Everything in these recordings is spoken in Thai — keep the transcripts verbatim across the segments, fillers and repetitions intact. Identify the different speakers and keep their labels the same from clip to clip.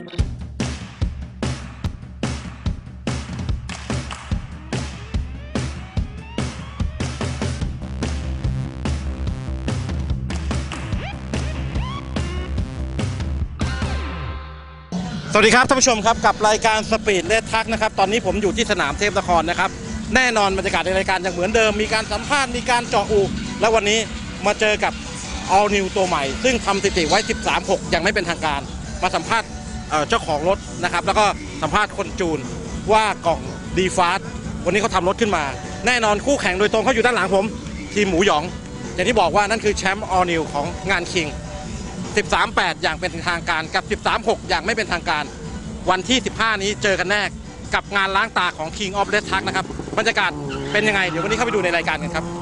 Speaker 1: สวัสดีครับท่านผู้ชมครับกับรายการสปีดเลสทักนะครับตอนนี้ผมอยู่ที่สนามเทพนครนะครับแน่นอนบรรยากาศในรายการยังเหมือนเดิมมีการสัมภาษณ์มีการเจาะอูและวันนี้มาเจอกับ All New ตัวใหม่ซึ่งทำสถิติไว้ สิบสามหก ยังไม่เป็นทางการมาสัมภาษณ์เจ้าของรถนะครับแล้วก็สัมภาษณ์คนจูนว่ากล่องดีฟาสวันนี้เขาทำรถขึ้นมาแน่นอนคู่แข่งโดยตรงเขาอยู่ด้านหลังผมทีมหมูหยองอย่างที่บอกว่านั่นคือแชมป์ All New ของงานคิงสิบสามแปด อย่างเป็นทางการกับ สิบสามหก อย่างไม่เป็นทางการวันที่สิบห้านี้เจอกันแน่กับงานล้างตาของ King of Red Truck นะครับบรรยากาศเป็นยังไงเดี๋ยววันนี้เข้าไปดูในรายการกันครับ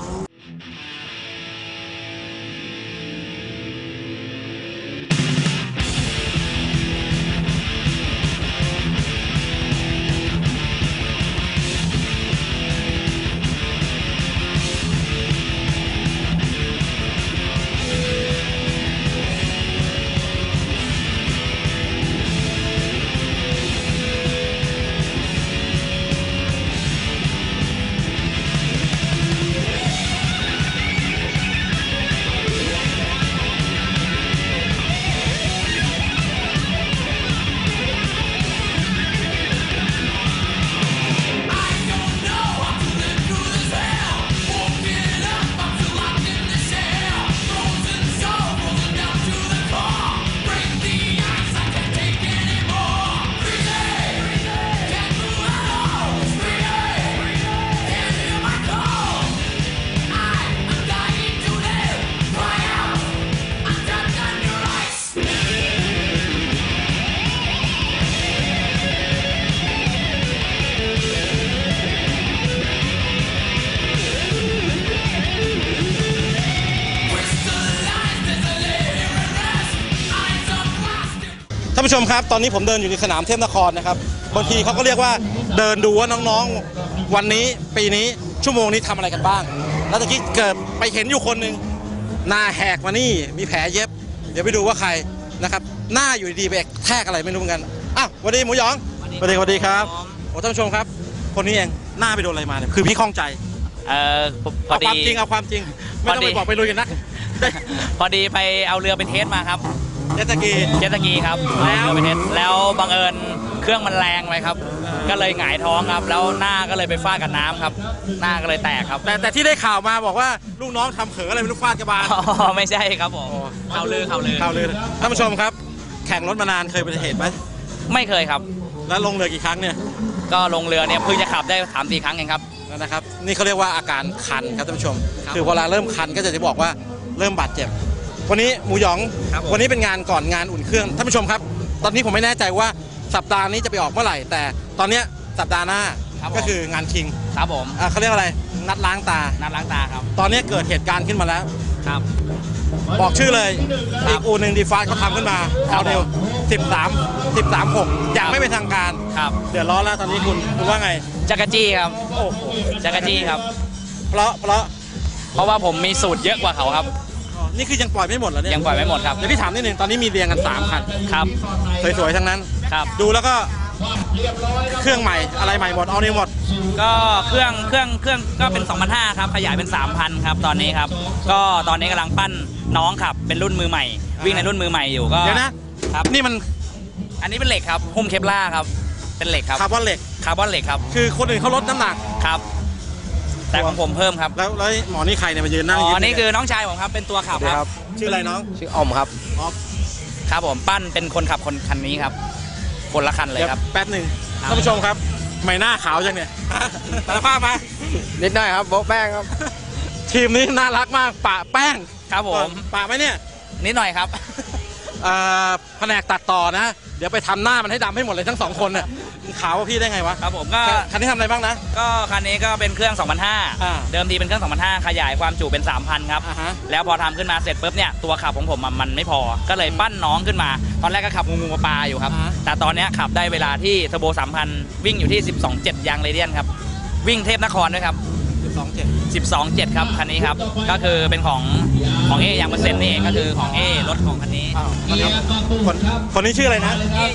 Speaker 1: ท่านผู้ชมครับตอนนี้ผมเดินอยู่ในสนามเทพนครนะครับบางทีเขาก็เรียกว่าเดินดูว่าน้องๆวันนี้ปีนี้ชั่วโมงนี้ทำอะไรกันบ้างแล้วตะกี้เกิดไปเห็นอยู่คนหนึ่งหน้าแหกมานี่มีแผลเย็บเดี๋ยวไปดูว่าใครนะครับหน้าอยู่ดีๆไปแทกอะไรไม่รู้เหมือนกันอ้าวสวัสดีหมูหยองสวัสดีสวัสดีครับโอ้ท่านผู้ชมครับคนนี้เองหน้าไปโดนอะไรมาเนี่ยคือพี่ข้องใจ
Speaker 2: เออพอดี
Speaker 1: เอาความจริงเอาความจริงไม่ต้องไปบอกไปลุยกันนะ
Speaker 2: พอดีไปเอาเรือไปเทสมาครับ
Speaker 1: เจ็ตสกี
Speaker 2: เจ็ตสกีครับแล้วไปเทสแล้วบังเอิญเครื่องมันแรงไปครับก็เลยหงายท้องครับแล้วหน้าก็เลยไปฟาดกับน้ำครับหน้าก็เลยแตกครับ
Speaker 1: แต่แต่ที่ได้ข่าวมาบอกว่าลูกน้องทำเขออะไรไม่รู้ฟาดกระบาล
Speaker 2: อ๋อไม่ใช่ครับผมข่าวลือข่าวลือ
Speaker 1: ข่าวลือท่านผู้ชมครับแข่งรถมานานเคยเป็นเหตุไหม
Speaker 2: ไม่เคยครับ
Speaker 1: แล้วลงเรือกี่ครั้งเนี่ย
Speaker 2: ก็ลงเรือเนี่ยเพิ่งจะขับได้สามสี่ครั้งเองครับ
Speaker 1: นะครับนี่เขาเรียกว่าอาการคันครับท่านผู้ชมคือเวลาเริ่มคันก็จะจะบอกว่าเริ่มบาดเจ็บวันนี้หมูหยองวันนี้เป็นงานก่อนงานอุ่นเครื่องท่านผู้ชมครับตอนนี้ผมไม่แน่ใจว่าสัปดาห์นี้จะไปออกเมื่อไหร่แต่ตอนนี้สัปดาห์หน้าก็คืองานคิง
Speaker 2: ครับผม
Speaker 1: เขาเรียกอะไรนัดล้างตา
Speaker 2: นัดล้างตาครับ
Speaker 1: ตอนนี้เกิดเหตุการณ์ขึ้นมาแล้ว
Speaker 2: ครับ
Speaker 1: บอกชื่อเลยอีกอู่หนึ่งดีฟาสเขาทำขึ้นมาเอาเร็วสิบสามสิบสามหกอย่างไม่เป็นทางการ
Speaker 2: ครับ
Speaker 1: เดือดร้อนแล้วตอนนี้คุณคุณว่าไง
Speaker 2: จักรจี้ครับ
Speaker 1: โอ้โห
Speaker 2: จักรจี้ครับ
Speaker 1: เพราะเพราะ
Speaker 2: เพราะว่าผมมีสูตรเยอะกว่าเขาครับ
Speaker 1: นี่คือยังปล่อยไม่หมดเหรอเนี่ย
Speaker 2: ยังปล่อยไม่หมดครับ
Speaker 1: เดี๋ยวพี่ถามนิดนึงตอนนี้มีเรียงกันสามคัน
Speaker 2: ครับ
Speaker 1: สวยๆทั้งนั้น
Speaker 2: ครับ
Speaker 1: ดูแล้วก็เครื่องใหม่อะไรใหม่หมดเอาเนี่ยหมด
Speaker 2: ก็เครื่องเครื่องเครื่องก็เป็น สองพันห้าร้อย ครับขยายเป็น สามพัน ครับตอนนี้ครับก็ตอนนี้กำลังปั้นน้องขับเป็นรุ่นมือใหม่วิ่งในรุ่นมือใหม่อยู่ก็
Speaker 1: เดี๋ยวนะครับนี่มัน
Speaker 2: อันนี้เป็นเหล็กครับหุ้มเคปล่าครับเป็นเหล็กครับ
Speaker 1: คาร์บอนเหล็ก
Speaker 2: คาร์บอนเหล็กครับ
Speaker 1: คือคนอื่นเขาลดน้ำหนัก
Speaker 2: ครับแต่ของผมเพิ่มครับ
Speaker 1: แล้วแล้วหมอนี่ใครเนี่ยมายืนนั่ง
Speaker 2: อ๋อนี่คือน้องชายผมครับเป็นตัวขับครับ
Speaker 1: ชื่ออะไรน้อง
Speaker 2: ชื่อออมครับ
Speaker 1: ออม
Speaker 2: ครับผมปั้นเป็นคนขับคนคันนี้ครับคนละคันเลยครับ
Speaker 1: แป๊บหนึ่งท่านผู้ชมครับไม่หน้าขาวจังเนี่ยสารภาพมา
Speaker 2: นิดหน่อยครับโบ๊ะแป้งครับ
Speaker 1: ทีมนี้น่ารักมากปะแป้ง
Speaker 2: ครับผม
Speaker 1: ปะไหมเนี่ย
Speaker 2: นิดหน่อยครับ
Speaker 1: แผนกตัดต่อนะเดี๋ยวไปทำหน้ามันให้ดำให้หมดเลยทั้งสองคนเนี่ยขาวพี่ได้ไงวะ
Speaker 2: ครับผมก็
Speaker 1: คันนี้ทำอะไรบ้างนะ
Speaker 2: ก็คันนี้ก็เป็นเครื่อง สองพันห้าร้อย เดิมทีเป็นเครื่อง สองพันห้าร้อย ขยายความจุเป็น สามพัน ครับแล้วพอทำขึ้นมาเสร็จปุ๊บเนี่ยตัวขับของผมมันไม่พอก็เลยปั้นน้องขึ้นมาตอนแรกก็ขับงูงูปลาอยู่ครับแต่ตอนนี้ขับได้เวลาที่เทอร์โบ สามพัน วิ่งอยู่ที่ สิบสองจุดเจ็ด ยางเรเดียนครับวิ่งเทพนครด้วยครับ
Speaker 1: สิบสองจุดเจ็ด
Speaker 2: สิบสองจุดเจ็ด ครับคันนี้ครับก็คือเป็นของของเอยางเปอร์เซ็นต์นี่เองก็คือของเอรถของคันนี้
Speaker 1: คนคนนี้ชื่ออะไรนะ
Speaker 2: เอยางเปอร์เซ็นต์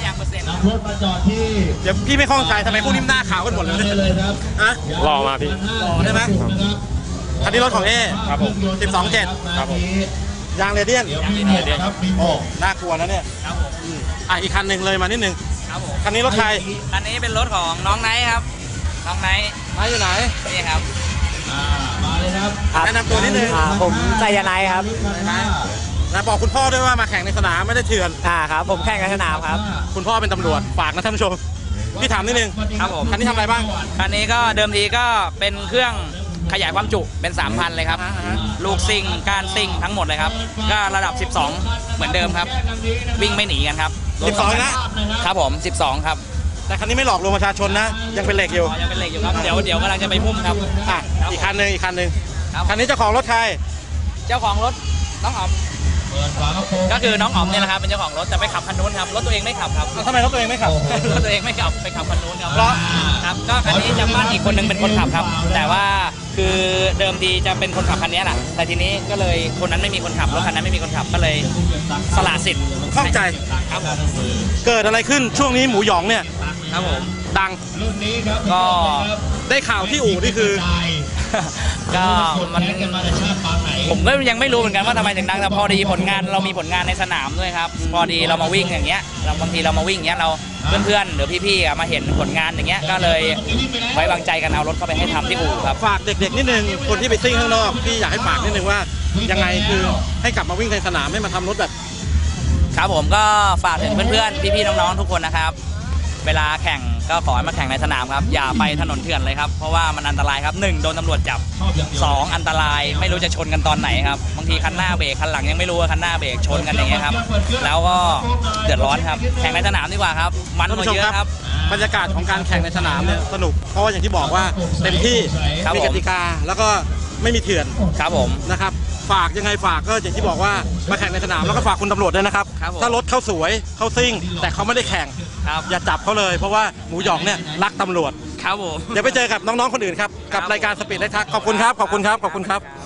Speaker 3: นำรถมาจอดที่
Speaker 1: เดี๋ยวพี่ไม่ข้องใจทำไมพวกนี้หน้าขาวกันหมดเลย
Speaker 3: ได้เลยครับ
Speaker 1: ฮะ
Speaker 4: หล่อมาพี่
Speaker 1: หล่อได้ไหม คันนี้รถของเอ
Speaker 4: ครับผม
Speaker 1: สิบสองเจ็ด
Speaker 4: ครับผม
Speaker 1: ยางเรเดียน
Speaker 3: เดี๋ยวมีหมวกครับมีหมวก
Speaker 1: น่ากลัวนะเนี่ย
Speaker 2: ครับผม
Speaker 1: อืมอ่ะอีกคันหนึ่งเลยมานิดนึง
Speaker 2: ครับผม
Speaker 1: คันนี้รถใคร
Speaker 2: อันนี้เป็นรถของน้องไนท์ครับน้องไนท์
Speaker 1: มาอยู่ไหน
Speaker 2: นี่ครับ
Speaker 3: อ่ามาเลยครับ
Speaker 1: แนะนำตัวนิดนึง
Speaker 5: อ่าผมไซยาไนท์ครับ
Speaker 1: นะบอกคุณพ่อด้วยว่ามาแข่งในสนามไม่ได้เถื่อน
Speaker 5: อ่าครับ ผมแข่งในสนามครับ
Speaker 1: คุณพ่อเป็นตำรวจฝากนะท่านผู้ชมพี่ถามนิดนึง
Speaker 2: ครับผม
Speaker 1: คันนี้ทำอะไรบ้าง
Speaker 2: คันนี้ก็เดิมทีก็เป็นเครื่องขยายความจุเป็น สามพัน เลยครับ
Speaker 1: อ่าฮะ
Speaker 2: ลูกซิ่งก้านซิ่งทั้งหมดเลยครับ ก็ระดับ สิบสอง เหมือนเดิมครับ วิ่งไม่หนีกันครับ
Speaker 1: สิบสองนะ
Speaker 2: ครับผม สิบสอง ครับ
Speaker 1: แต่คันนี้ไม่หลอกลวงประชาชนนะ ยังเป็นเหล็กอยู่
Speaker 2: อ๋อยังเป็นเหล็กอยู่ครับ เดี๋ยวเดี๋ยวกำลังจะไปพุ่มครับ
Speaker 1: อ่ะอีกคันหนึ่งอีกคันหนึ่ง
Speaker 2: ครับ
Speaker 1: คันนี้เจ้าของรถใคร
Speaker 2: เจ้าของรถน้องอ๋อม
Speaker 3: เปิดฝากระโปรง
Speaker 2: ก็คือน้องอ๋อมเนี่ยแหละครับเป็นเจ้าของรถแต่ไปขับคันนู้นครับ รถตัวเองไม่ขับครับ
Speaker 1: ทำไมรถตัวเองไม่ขับ
Speaker 2: รถตัวเองไม่ขับไปขับคันนู้นครับ
Speaker 1: เพราะ
Speaker 2: ครับก็คันนี้จะบ้านอีกคนนึงเป็นคนขับครับ แต่ว่าคือเดิมทีจะเป็นคนขับคันนี้แหละแต่ทีนี้ก็เลยคนนั้นไม่มีคนขับรถคันนั้นไม่มีคนขับก็เลยสละสิทธิ์
Speaker 1: ข้องใจ
Speaker 2: ครับผม
Speaker 1: เกิดอะไรขึ้นช่วงนี้หมูหยองเนี่ย
Speaker 2: ครับผม
Speaker 1: ดัง
Speaker 3: รุ่นนี้ครับ
Speaker 2: ก็
Speaker 1: ได้ข่าวที่อู่นี่คือ
Speaker 2: ก็มัน
Speaker 3: แข่งกันมาแต่ชาติปางไหน
Speaker 2: ผมก็ยังไม่รู้เหมือนกันว่าทำไมถึงดังแต่พอดีผลงานเรามีผลงานในสนามด้วยครับพอดีเรามาวิ่งอย่างเงี้ยเราบางทีเรามาวิ่งอย่างเงี้ยเราเพื่อนๆหรือพี่ๆอ่ะมาเห็นผลงานอย่างเงี้ยก็เลยไว้วางใจกันเอารถเข้าไปให้ทำที่อู่ครับ
Speaker 1: ฝากเด็กๆนิดนึงคนที่ไปซิ่งข้างนอกพี่อยากให้ฝากนิดนึงว่ายังไงคือให้กลับมาวิ่งในสนามให้มาทำรถแบบ
Speaker 2: ครับผมก็ฝากถึงเพื่อนๆพี่ๆน้องๆทุกคนนะครับ เวลาแข่งก็ขอให้มาแข่งในสนามครับอย่าไปถนนเถื่อนเลยครับเพราะว่ามันอันตรายครับหนึ่งโดนตำรวจจับสองอันตรายไม่รู้จะชนกันตอนไหนครับบางทีคันหน้าเบรกคันหลังยังไม่รู้ว่าคันหน้าเบรกชนกันอย่างเงี้ยครับแล้วก็เดือดร้อนครับแข่งในสนามดีกว่าครับมันกว่าเยอะครับ
Speaker 1: บรรยากาศของการแข่งในสนามเนี่ยสนุกเพราะว่าอย่างที่บอกว่าเต็มที่
Speaker 2: ครับ
Speaker 1: มี
Speaker 2: ผม
Speaker 1: กติกาแล้วก็ไม่มีเถื่อน
Speaker 2: ครับผม
Speaker 1: นะครับฝากยังไงฝากก็อย่างที่บอกว่ามาแข่งในสนามแล้วก็ฝากคุณตำรวจด้วยนะครับ
Speaker 2: ครับผม
Speaker 1: ถ้ารถเขาสวยเขาซิ่ง แต่เขาไม่ได้แข่ง
Speaker 2: ครับ
Speaker 1: อย่าจับเขาเลยเพราะว่าหมูหยองเนี่ยรักตำรวจ
Speaker 2: ครับผม
Speaker 1: เดี๋ยวไปเจอกับน้องๆคนอื่นครับกับรายการสปีดไลท์ทักขอบคุณครับขอบคุณครับขอบคุณครับ